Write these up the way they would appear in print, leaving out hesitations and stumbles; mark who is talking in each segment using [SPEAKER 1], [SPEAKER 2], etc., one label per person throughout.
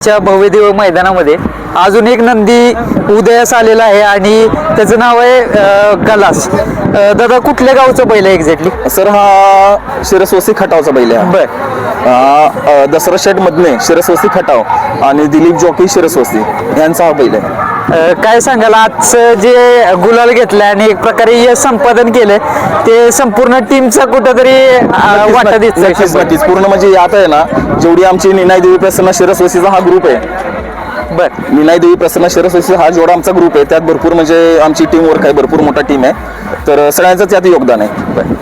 [SPEAKER 1] भव्यदेव मैदानामध्ये अजून एक नंदी उदयास आलेला आहे आणि त्याचं नाव आहे गलास. दादा कुठल्या गावचं बैल आहे एक्झॅक्टली?
[SPEAKER 2] सर हा शिरसवस्ती खटावचा बैल आहे.
[SPEAKER 1] बर.
[SPEAKER 2] दसरा शेट मधने शिरसवस्ती खटाव आणि दिलीप जॉकी शिरसवस्ती यांचा हा बैल आहे.
[SPEAKER 1] काय सांगाल आजचं जे गुलाल घेतलं आणि एक प्रकारे यश संपादन केलं ते संपूर्ण टीमचा कुठंतरी वाटा दिसतोय.
[SPEAKER 2] नक्कीच पूर्ण म्हणजे आता आहे ना, जेवढी आमची निनाय देवी प्रसन्न शिरसवस्तीचा हा ग्रुप आहे.
[SPEAKER 1] बर.
[SPEAKER 2] निनाय देवी प्रसन्न शिरसवस्ती हा जेवढा आमचा ग्रुप आहे त्यात भरपूर म्हणजे आमची टीम वर्क आहे, भरपूर मोठा टीम आहे, तर सगळ्यांचं त्यात योगदान आहे.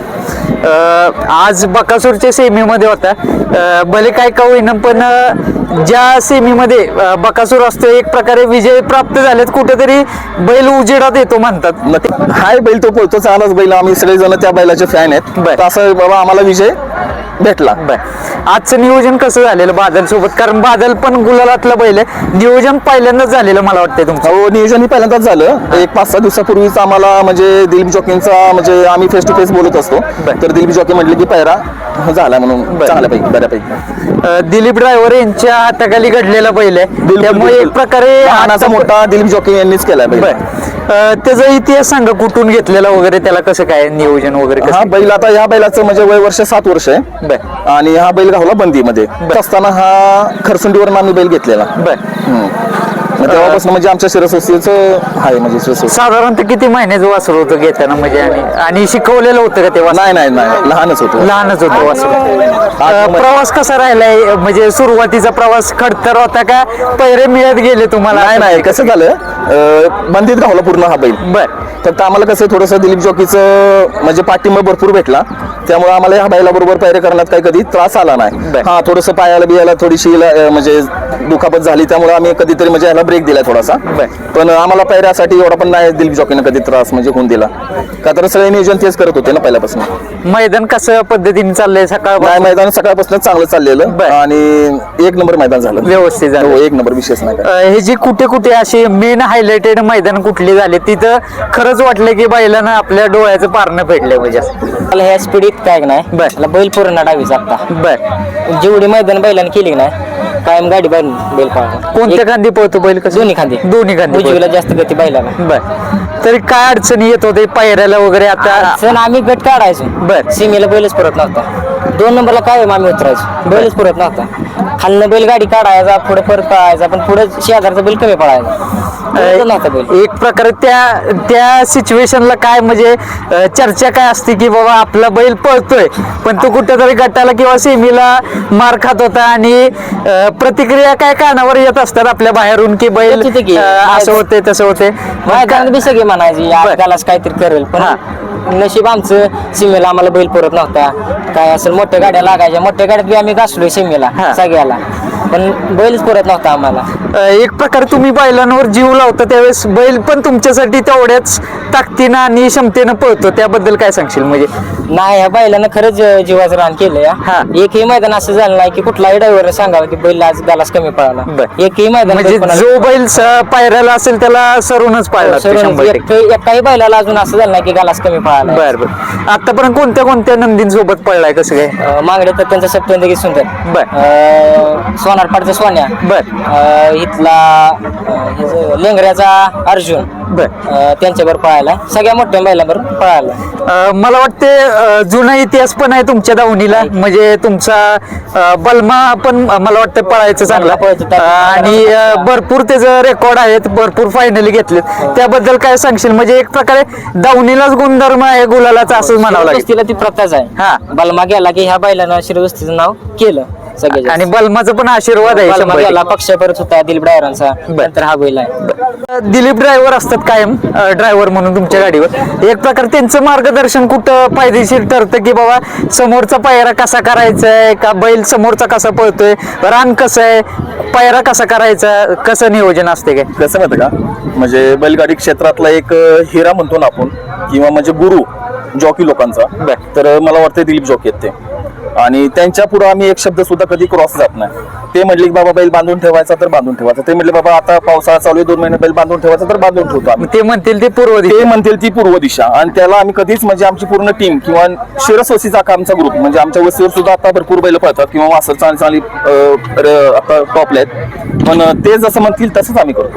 [SPEAKER 1] आज बकासूरच्या सेमीमध्ये होता, भले काय का होईना पण ज्या सेमीमध्ये बकासूर असतो एक प्रकारे विजय प्राप्त झालेत, कुठेतरी बैल उजेडात येतो म्हणतात.
[SPEAKER 2] हाय बैल तो पळतो, चांगलाच बैल, आम्ही सगळेजण त्या बैलाचे फॅन आहेत. तर असं बाबा आम्हाला विजय भेटला.
[SPEAKER 1] आजचं नियोजन कसं झालेलं बादल सोबत? कारण बादल पण गुलालातलं बैल आहे, नियोजन पहिल्यांदाच झालेलं मला वाटतंय तुमचं.
[SPEAKER 2] हो, नियोजन ही पहिल्यांदाच झालं. एक 5-6 दिवसापूर्वीच आम्हाला म्हणजे दिलीप जॉकींचा म्हणजे आम्ही फेस टू फेस बोलत असतो, तर दिलीप जॉकी म्हटले की पैरा झाला म्हणून चांगल्यापैकी बऱ्यापैकी.
[SPEAKER 1] दिलीप ड्रायव्हर यांच्या हाताखाली घडलेला बैल आहे, त्यामुळे एक प्रकारे
[SPEAKER 2] लहानाचा मोठा दिलीप जॉकी यांनीच केलाय बैल.
[SPEAKER 1] त्याचा इतिहास सांगा, कुठून घेतलेला वगैरे, त्याला कसं काय नियोजन वगैरे?
[SPEAKER 2] हा बैल आता ह्या बैलाचं म्हणजे वय वर्ष 7 वर्ष आहे आणि हा बैल गावला बंदीमध्ये असताना हा खरसुंडीवरून आम्ही बैल घेतलेला. तेव्हापासून म्हणजे आमच्या शिरसवस्तीचं आहे म्हणजे
[SPEAKER 1] साधारणतः किती महिन्याचं वासरू होतं घेताना म्हणजे आणि शिकवलेलं होतं का तेव्हा?
[SPEAKER 2] नाही लहानच होतं
[SPEAKER 1] वासरू. प्रवास कसा राहिलाय म्हणजे सुरुवातीचा प्रवास खडतर होता का पैरे मिळत गेले तुम्हाला?
[SPEAKER 2] नाही कसं झालं, बंदीत गावला पूर्ण हा बैल. फक्त आम्हाला कसं थोडंसं दिलीप जॉकीचं म्हणजे पाठिंबा भरपूर भेटला, त्यामुळे आम्हाला ह्या बैला बरोबर पैरे करण्यात काही कधी त्रास आला नाही. हा थोडंसं पायाला बियाला थोडीशी म्हणजे दुखापत झाली, त्यामुळे आम्ही कधीतरी म्हणजे ह्याला ब्रेक दिलाय थोडासा, पण आम्हाला पैऱ्यासाठी एवढा पण नाही दिलीप जॉकीनं कधी त्रास म्हणजे होऊन दिला, का तर सगळे नियोजन तेच करत होते ना पहिल्यापासून.
[SPEAKER 1] मैदान कसं पद्धतीने चाललंय?
[SPEAKER 2] मैदान सकाळपासून चांगलं चाललेलं आणि 1 नंबर मैदान झालं, व्यवस्थित झालं. 1 नंबर, विशेष नाही.
[SPEAKER 1] हे जी कुठे कुठे अशी मेन हायलाइटेड मैदान कुठली झाले तिथं खरंच वाटलं की बैलानं आपल्या डोळ्याचं पारणं फेडलंय म्हणजे?
[SPEAKER 3] मला ह्या स्पीडीत काय नाही, बैल पूर्ण डावीचा आता जेवढी मैदान बैलाने केली नाही कायम गाडी बैल पळणार.
[SPEAKER 1] कोणत्या खांदी पळतो बैल? कसं? दोन्ही खांदी
[SPEAKER 3] उजवीला जास्त गती बैलाला.
[SPEAKER 1] तरी काय अडचणी येत होते पायऱ्याला वगैरे? आता
[SPEAKER 3] आम्ही गट काढायचो, सीमेला बैलच पुरत नव्हता. 2 नंबरला काय आम्ही उतरायचो, बैलच पुरत नव्हता. खालनं बैल गाडी काढायचा, पुढे परत पळायचा, पण पुढे शेजारचा बैल कमी पळायचा.
[SPEAKER 1] एक प्रकारे त्या सिच्युएशनला काय म्हणजे चर्चा काय असते की बाबा आपला बैल पळतोय पण तो कुठेतरी गटाला किंवा सेमीला मार खात होता आणि प्रतिक्रिया काय कानावर येत असतात आपल्या बाहेरून की बैल असं होते तसं होते,
[SPEAKER 3] सगळे म्हणायचे यालाच काहीतरी करेल, पण नशीब आमचं सीमेला आम्हाला बैल पुरत नव्हता. काय असेल मोठ्या गाड्या लागायच्या, मोठ्या गाड्यात बी आम्ही घासलोय सीमेला सगळ्याला, पण बैलच पुरत नव्हता आम्हाला.
[SPEAKER 1] एक प्रकारे तुम्ही बैलांवर जीव लावता त्यावेळेस बैल पण तुमच्यासाठी तेवढ्याच ताकदीनं आणि क्षमतेनं पळतो, त्याबद्दल काय सांगशील? म्हणजे
[SPEAKER 3] नाही, ह्या बैलानं खरंच जीवाचं रान केलं. एकही मैदान असं झालं नाही की कुठलाही ड्रायव्हर सांगावं की बैल आज गालास कमी पळाला. एकही मैदान
[SPEAKER 1] म्हणजे जो बैल पायऱ्याला असेल त्याला सरूनच पाळला.
[SPEAKER 3] एकाही बैलाला अजून असं झालं नाही की गालास कमी पळाला.
[SPEAKER 1] बरं. आतापर्यंत कोणत्या नंदींसोबत पळलाय? कसं काय?
[SPEAKER 3] मागडे तर त्यांचा सप्तंदगी सुंदर, सोनारपाडचा सोन्या, इथला लेंगऱ्याचा अर्जुन, त्यांच्यावर पळायला, सगळ्या मोठ्या बैलांवर पळायला.
[SPEAKER 1] मला वाटते जुना इतिहास पण आहे तुमच्या दावणीला, म्हणजे तुमचा बलमा पण मला वाटतं पळायचं चांगला आणि भरपूर त्याचं रेकॉर्ड आहेत, भरपूर फायनली घेतलेत, त्याबद्दल काय सांगशील? म्हणजे एक प्रकारे दावणीलाच गुणधर्म आहे गुलालाचा असं म्हणावं लागेल.
[SPEAKER 3] ती प्रथाच आहे. बलमा गेला की ह्या बैलानं शिरवस्तीचं नाव केलं
[SPEAKER 1] आणि बलमाचा पण आशीर्वाद आहे.
[SPEAKER 3] पक्ष परत होता दिलीप ड्रायव्हरांचा, नंतर हा बैल आहे.
[SPEAKER 1] दिलीप ड्रायव्हर असतात कायम ड्रायव्हर म्हणून तुमच्या गाडीवर, एक प्रकार त्यांचं मार्गदर्शन कुठं फायदेशीर ठरतं की बाबा समोरचा पायरा कसा करायचा आहे, का बैल समोरचा कसा पळतोय, रान कसं आहे, पायरा कसा करायचा, कसं नियोजन असते? काय
[SPEAKER 2] कसं माहिती का, म्हणजे बैलगाडी क्षेत्रातला एक हिरा म्हणतो ना आपण, किंवा म्हणजे गुरु जॉकी लोकांचा, तर मला वाटतं दिलीप जॉकी आहेत ते. आणि त्यांच्या पुढे आम्ही एक शब्द सुद्धा कधी क्रॉस जात नाही. ते म्हटले की बाबा बैल बांधून ठेवायचा तर बांधून ठेवायचा, ते म्हटले बाबा आता पावसाळा चालू आहे 2 महिने बैल बांधून ठेवायचा तर बांधून ठेवतो आम्ही.
[SPEAKER 1] ते म्हणतील ते पूर्व दिशा.
[SPEAKER 2] ते म्हणतील ती पूर्व दिशा, आणि त्याला आम्ही कधीच म्हणजे आमची पूर्ण टीम किंवा शिरसवसीचा आमचा ग्रुप म्हणजे आमच्या वस्तीवर सुद्धा आता भरपूर बैल पळतात किंवा वासर चांगली आता टॉपला आहेत, पण ते जसं म्हणतील तसंच आम्ही करतो.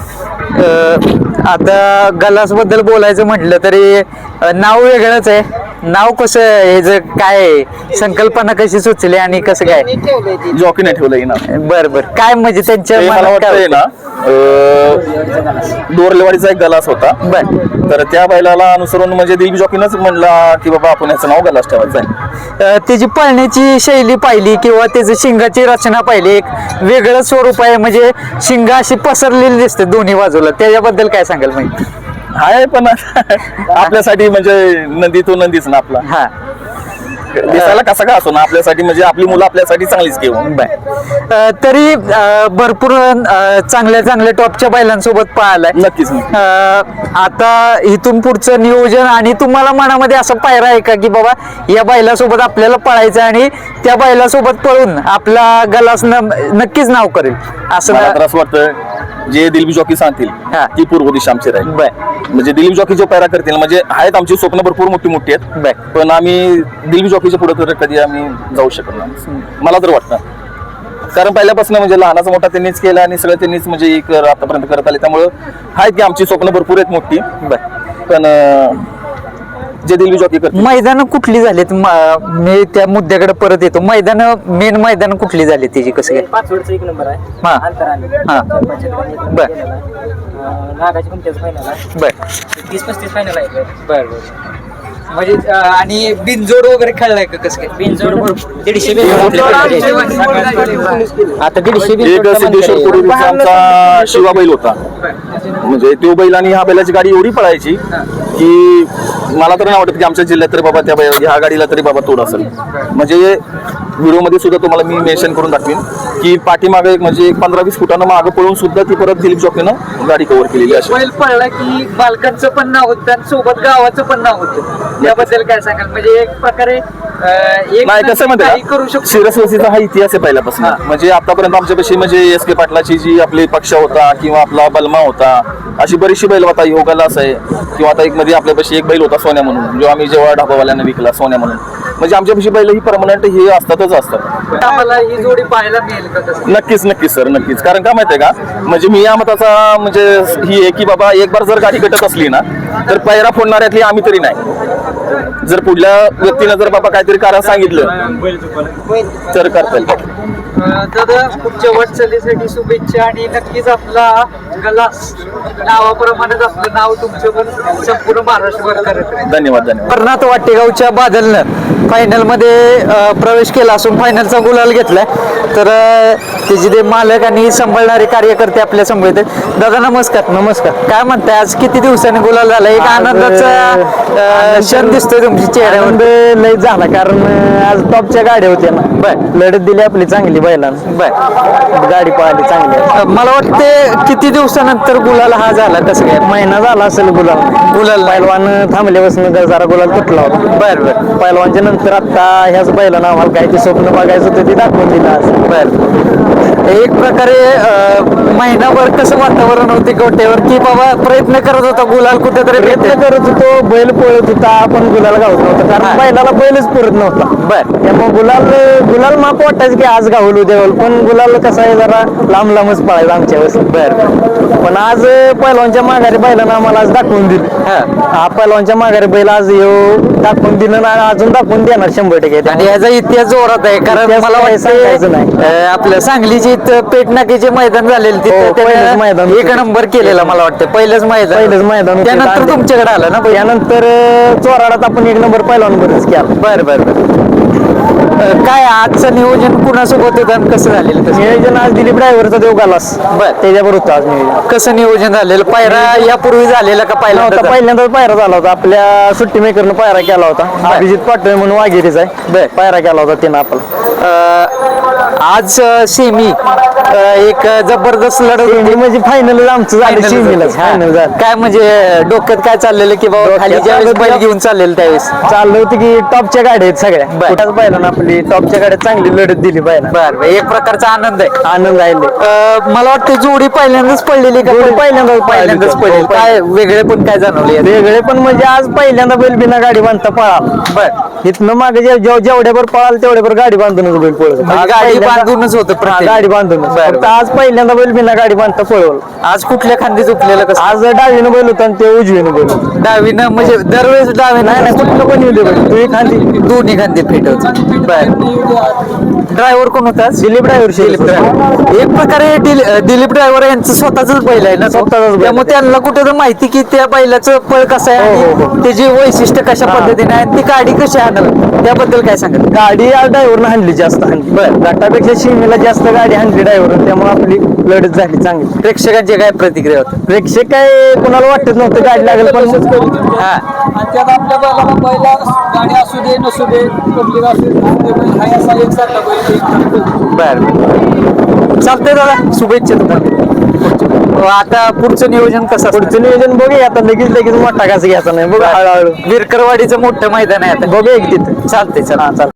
[SPEAKER 1] आता गलास बद्दल बोलायचं म्हटलं तरी नाव वेगळंच आहे. नाव कसं हे जे काय आहे, संकल्पना कशी सुचली आणि कसं काय?
[SPEAKER 2] जॉकीने ठेवलंय ना.
[SPEAKER 1] बरं बरं, काय म्हणजे त्यांच्या
[SPEAKER 2] ते मला
[SPEAKER 1] मनात काय
[SPEAKER 2] वाटतंय ना डोरलेवाडीचा एक गलास होता,
[SPEAKER 1] बरं.
[SPEAKER 2] तर त्या बैलाला अनुसरून म्हणजे दिलीप जॉकीनंच म्हणला की बाबा आपण याचं नाव गलास ठेवायचं आहे.
[SPEAKER 1] त्याची पळण्याची शैली पाहिली किंवा त्याची शिंगाची रचना पाहिली, एक वेगळं स्वरूप आहे, म्हणजे शिंग अशी पसरलेली दिसते दोन्ही बाजूला. त्याच्याबद्दल काय सांगाल माहिती?
[SPEAKER 2] हाय पण आपल्यासाठी म्हणजे नंदी तो नंदीच ना आपला.
[SPEAKER 1] हा,
[SPEAKER 2] दिसायला कसा का असो ना, आपल्यासाठी म्हणजे आपली मुलं आपल्यासाठी चांगलीच घेऊन.
[SPEAKER 1] तरी भरपूर चांगल्या चांगल्या टॉपच्या बैलांसोबत पाहिलाय.
[SPEAKER 2] नक्कीच.
[SPEAKER 1] आता इथून पुढचं नियोजन आणि तुम्हाला मनामध्ये असं पायरा आहे का की बाबा या बैलासोबत आपल्याला पळायचं आणि त्या बैलासोबत पळून आपला गलास नक्कीच नाव करेल असं?
[SPEAKER 2] मला तर असं वाटतं जे दिलीप जॉकी सांगतील ती पूर्व दिशा आमची राहील. म्हणजे दिलीप जॉकी जो पैरा करतील म्हणजे आहेत आमची स्वप्न भरपूर मोठी मोठी आहेत, पण आम्ही दिलीप जॉकीच्या पुढे तर कधी आम्ही जाऊ शकत नाही मला तर वाटतं. कारण पहिल्यापासून म्हणजे लहानाचा मोठा त्यांनीच केला आणि सगळं त्यांनीच म्हणजे आतापर्यंत करत आले, त्यामुळं आहेत की आमची स्वप्न भरपूर आहेत मोठी, पण जे दिलीप जॉकी करतील.
[SPEAKER 1] मैदान कुठली झालीत? मी त्या मुद्द्याकडे परत येतो. मैदान मेन मैदान कुठली झाली त्याची? कसं काय?
[SPEAKER 3] पाचवडचा 1 नंबर आहे.
[SPEAKER 1] हा.
[SPEAKER 3] अंतराने.
[SPEAKER 1] हा.
[SPEAKER 3] बर. नागाची कुमट्याचं फायनल आहे.
[SPEAKER 1] बर
[SPEAKER 3] 30-35 फायनल आहे.
[SPEAKER 1] बर. म्हणजे आणि बिनजोड वगैरे खेळलाय का? कसं काय?
[SPEAKER 3] बिनजोड 150 बिनजोड आता 150
[SPEAKER 2] एक सिद्धेश्वर पूर्वीचा आमचा शिवा बैल होता, म्हणजे तो बैल आणि ह्या बैलाची गाडी एवढी पळायची की मला तर नाही वाटत की आमच्या जिल्ह्यात तरी बाबा त्या ह्या गाडीला तरी बाबा तोड असेल. म्हणजे व्हिडिओमध्ये सुद्धा तुम्हाला मी मेन्शन करून दाखवीन की पाठीमागे म्हणजे 15-20 फुटानं मागं पळून सुद्धा ती परत दिलीप जॉकीनं गाडी कव्हर केलेली अशी.
[SPEAKER 1] बैल पळला की बालकांचं पण नाव होतं आणि सोबत गावाचं पण नाव होतं. याबद्दल काय सांगाल? म्हणजे एक प्रकारे
[SPEAKER 2] नाही कसं म्हणते शिरसवसीचा हा इतिहास आहे पहिल्यापासून. म्हणजे आतापर्यंत आमच्यापाशी म्हणजे एस के पाटलाची जी आपली पक्ष होता किंवा आपला बलमा होता, अशी बरीचशी बैल होता. योगालास आहे किंवा आता एक मध्ये आपल्यापाशी एक बैल होता सोन्या म्हणून, जो आम्ही जेव्हा ढाबावाल्यांना विकला सोन्या म्हणून. म्हणजे आमच्यापाशी बैल ही परमनंट हे असतातच असतात.
[SPEAKER 1] आम्हाला ही जोडी पाहायला मिळेल का? कसं?
[SPEAKER 2] नक्कीच नक्कीच सर, नक्कीच. कारण काय माहितीये का, म्हणजे मी या मताचा म्हणजे ही आहे की बाबा एक बार जर गाडी कटत असली ना तर पैरा फोडणाऱ्यातली आम्ही तरी नाही. जर पुढल्या व्यक्तीनं जर बाबा काहीतरी कारण सांगितलं तर करता येईल.
[SPEAKER 1] दादा पुढच्या वाटचालीसाठी शुभेच्छा आणि नक्कीच आपला गलास नावाप्रमाणेच आपलं नाव तुमचं पण संपूर्ण महाराष्ट्रभर करत राहील.
[SPEAKER 2] धन्यवाद धन्यवाद.
[SPEAKER 1] कर्नाथ वाटेगावच्या बादलनं फायनल मध्ये प्रवेश केला असून फायनलचा गुलाल घेतलाय. तर त्याचे ते मालक आणि सांभाळणारे कार्यकर्ते आपल्या समोर आहेत. दादा नमस्कार.
[SPEAKER 3] नमस्कार.
[SPEAKER 1] काय म्हणताय, आज किती दिवसांनी गुलाल झाला? एक आनंदाचा क्षण दिसतोय तुमच्या चेहऱ्यावर.
[SPEAKER 3] लय झाला कारण आज टॉपच्या गाड्या होत्या ना.
[SPEAKER 1] बर
[SPEAKER 3] लढत दिली आपली चांगली बैलांना.
[SPEAKER 1] बर
[SPEAKER 3] गाडी पळाली चांगली.
[SPEAKER 1] मला वाटते किती दिवसानंतर गुलाल हा झाला? कसं काय?
[SPEAKER 3] महिना झाला असेल गुलाल पैलवान थांबल्यापासून जरा गुलाल तुटला होता.
[SPEAKER 1] बर बर
[SPEAKER 3] पैलवानच्या नंतर आता ह्याच बैलांना आम्हाला काय ते स्वप्न बघायचं होतं ते दाखवून दिलं आज.
[SPEAKER 1] बर एक प्रकारे महिनाभर कसं वातावरण होते गोट्यावर की बाबा प्रयत्न करत होता गुलाल कुठेतरी
[SPEAKER 3] प्रयत्न करत होतो, बैल पळत होता, आपण गुलाल गावत नव्हतं कारण बैलाला बैलच पुरत नव्हता.
[SPEAKER 1] बर
[SPEAKER 3] त्यामुळे गुलाल माप वाटायचं की आज गावल उद्या गावल, पण गुलाल कसं आहे जरा लांब लांबच पळायचं आमच्या वेळेस.
[SPEAKER 1] बर
[SPEAKER 3] पण आज पैलवानच्या माघारी बैलांना आम्हाला आज दाखवून दिलं. हा पैलवानच्या माघारी बैल आज दाखवून दिलं ना, अजून दाखवून देणार 100%.
[SPEAKER 1] आणि याचा इतिहास जोरात आहे कारण
[SPEAKER 3] इतिहास
[SPEAKER 1] मला
[SPEAKER 3] काय सांगायचं नाही.
[SPEAKER 1] वाटतं आपल्या सांगलीची पेटनाकीचे मैदान झालेले
[SPEAKER 3] पहिलंच
[SPEAKER 1] तिथे
[SPEAKER 3] मैदान
[SPEAKER 1] एक नंबर केलेला मला वाटतं. पहिलंच मैदान
[SPEAKER 3] होतं.
[SPEAKER 1] त्यानंतर तुमच्याकडे आलं ना.
[SPEAKER 3] त्यानंतर चोराडात आपण 1 नंबर पैलवानबरोबरच केला.
[SPEAKER 1] बर बर बर काय आजचं नियोजन कुणासोबत होतं आणि कसं झालेलं?
[SPEAKER 3] नियोजन आज दिलीप ड्रायव्हरचा देव गालास
[SPEAKER 1] बर
[SPEAKER 3] त्याच्याबरोबर होतं आज नियोजन.
[SPEAKER 1] कसं नियोजन झालेलं? पायरा यापूर्वी झालेला का
[SPEAKER 3] नव्हता, पहिल्यांदाच पायरा झाला होता. आपल्या सुट्टी मेकरनं पायरा केला होता. अभिजित पाटोळे म्हणून वाघेरीचा आहे, पायरा केला होता त्यानं आपला.
[SPEAKER 1] आज सेमी एक जबरदस्त लढत होती.
[SPEAKER 4] म्हणजे फायनल आमचं झालं
[SPEAKER 1] Final
[SPEAKER 4] सेमीला
[SPEAKER 1] झाली.
[SPEAKER 4] फायनल
[SPEAKER 1] हा.
[SPEAKER 4] झालं.
[SPEAKER 1] काय म्हणजे डोक्यात काय चाललेलं की बाबा खाली
[SPEAKER 4] डोक्यात
[SPEAKER 1] ज्यावेळेस बैल
[SPEAKER 4] चाललं
[SPEAKER 1] घेऊन चाललेलं त्यावेळेस
[SPEAKER 4] चाललं होतं की टॉपच्या गाड्या आहेत सगळ्या
[SPEAKER 1] बर.
[SPEAKER 4] कुठंच बैलांना आपली टॉपच्या गाड्या चांगली लढत दिली पाहिजे
[SPEAKER 1] बर एक प्रकारचा आनंद आहे.
[SPEAKER 4] आनंद राहिले
[SPEAKER 1] मला वाटतं जोडी पहिल्यांदाच पडलेली का
[SPEAKER 4] जोडी पहिल्यांदाच
[SPEAKER 1] पहिल्यांदाच
[SPEAKER 4] पडली.
[SPEAKER 1] पडलेली
[SPEAKER 4] हो,
[SPEAKER 1] काय वेगळे पण काय जाणवले
[SPEAKER 4] वेगळे पण म्हणजे आज पहिल्यांदा बैल बिना गाडी बांधता पळाला
[SPEAKER 1] बर
[SPEAKER 4] इथनं मागे जेवढ्यावर पळाल तेवढ्यावर गाडी बांधूनच बैल पळत
[SPEAKER 1] म्हणजे गाडी बांधूनच होतं प्रत्येक.
[SPEAKER 4] गाडी बांधूनच
[SPEAKER 1] बर,
[SPEAKER 4] फक्त
[SPEAKER 1] बर.
[SPEAKER 4] आज पहिल्यांदा बैल बिना गाडी बांधता पळवलं
[SPEAKER 1] आज कुठल्या खांदी झुकलेलं कसं
[SPEAKER 4] आज डावीनं बैल होता आणि ते उजवीनं बैल होता
[SPEAKER 1] डावीनं म्हणजे दरवेळेस डावीनं
[SPEAKER 4] नाही नाही कुठलं पण येऊ दे बैल तू एक खांदी
[SPEAKER 1] दोन्ही खांदे फिट होत बर ड्रायव्हर कोण होता
[SPEAKER 4] दिलीप ड्रायव्हर
[SPEAKER 1] दिलीप ड्रायव्हर एक प्रकारे दिलीप ड्रायव्हर यांचं स्वतःच बैल आहे ना तो.
[SPEAKER 4] स्वतःचाच बैल.
[SPEAKER 1] त्यामुळे त्यांना कुठे तर माहिती की त्या बैलाचं पळ कसं आहे
[SPEAKER 4] हो, हो,
[SPEAKER 1] आणि त्याची वैशिष्ट्य कशा पद्धतीने आहे आणि ती गाडी कशी आणल त्याबद्दल काय सांगत
[SPEAKER 4] गाडी आज ड्रायव्हरनं हाणली जास्त हाणली
[SPEAKER 1] बर.
[SPEAKER 4] गटापेक्षा शिमेला जास्त गाडी हाणली ड्रायव्हर त्यामुळे आपली लढत झाली चांगली
[SPEAKER 1] प्रेक्षकांची काय प्रतिक्रिया होती
[SPEAKER 4] प्रेक्षक काय कोणाला वाटत नव्हतं गाडी लागेल पण
[SPEAKER 1] हा
[SPEAKER 5] आणि त्यात आपल्या बैलाला बैला गाडी असू दे नसू दे पब्लिक असू दे नसू दे बैल हाय असा एक सारखा बैल एक
[SPEAKER 1] बर चालतंय दादा शुभेच्छा तुम्हाला आता पुढचं नियोजन कसं असणार?
[SPEAKER 4] पुढचं नियोजन बघूया आता लगेच मोठा घास घ्यायचा नाही बघू हळूहळू
[SPEAKER 1] विरकरवाडीचं मोठं मैदान आहे आता
[SPEAKER 4] बघूया की तिथं
[SPEAKER 1] चालतंय चला
[SPEAKER 4] चालतं